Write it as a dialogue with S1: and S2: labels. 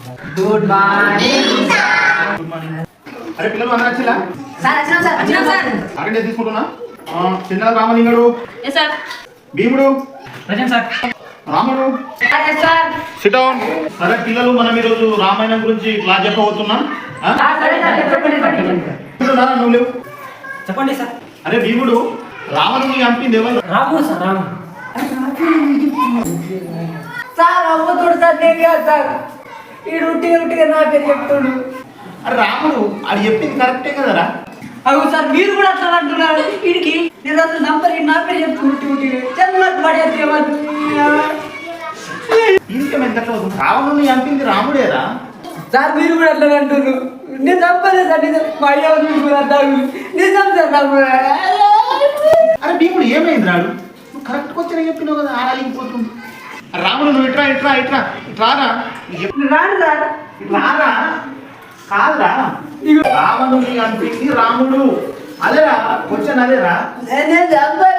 S1: Good morning
S2: good morning. అరే పిల్లలు అందరూ వచ్చిలా? అటెండెన్స్ తీసుకుంటున్నా. చిన్న రామలింగడు, భీముడు, రాముడు, సిట్ డౌన్. అరే పిల్లలు, మనం ఈరోజు రామాయణం గురించి క్లాస్ చెప్పబోతున్నాం. నువ్వు లేవు.
S1: చెప్పండి సార్.
S2: అరే భీముడు, రావణుని చంపింది ఎవరు?
S1: రాముడు సార్. రాముడు
S3: సార్ అవ్వతుడు సార్, నేను కాదు సార్. ఈ రుట్టిగా నా పేరు చెప్తుడు.
S2: అరే రాముడు అది చెప్పింది కరెక్టే కదరా?
S3: అవు సార్, మీరు కూడా అట్లా అంటున్నారు. వీడికి నేను అసలు నంబర్ నా పేరు చెప్తున్నా. చంద్రులకు పడేది
S2: ఇంకేమైంది అట్లా అవుతుంది? రావణుని చంపింది రాముడేరా?
S3: సార్, మీరు కూడా అట్లా అంటున్నారు. నేను చంపలేదు సార్. నిజం మా అయ్య నిజం సార్.
S2: అరే భీముడు ఏమైంది రాడు? నువ్వు కరెక్ట్ క్వశ్చన్ చెప్పినావు కదా, ఆడాలిపోతుంది. రాముడు నువ్వు ఇట్రా ఇట్రా ఇట్రా ఇట్రారా.
S3: రాను సార్.
S2: రారా కాదురా, రావణుని చంపింది రాముడు. అదేరా క్వశ్చన్, అదేరా.
S3: నేను చంపలేదు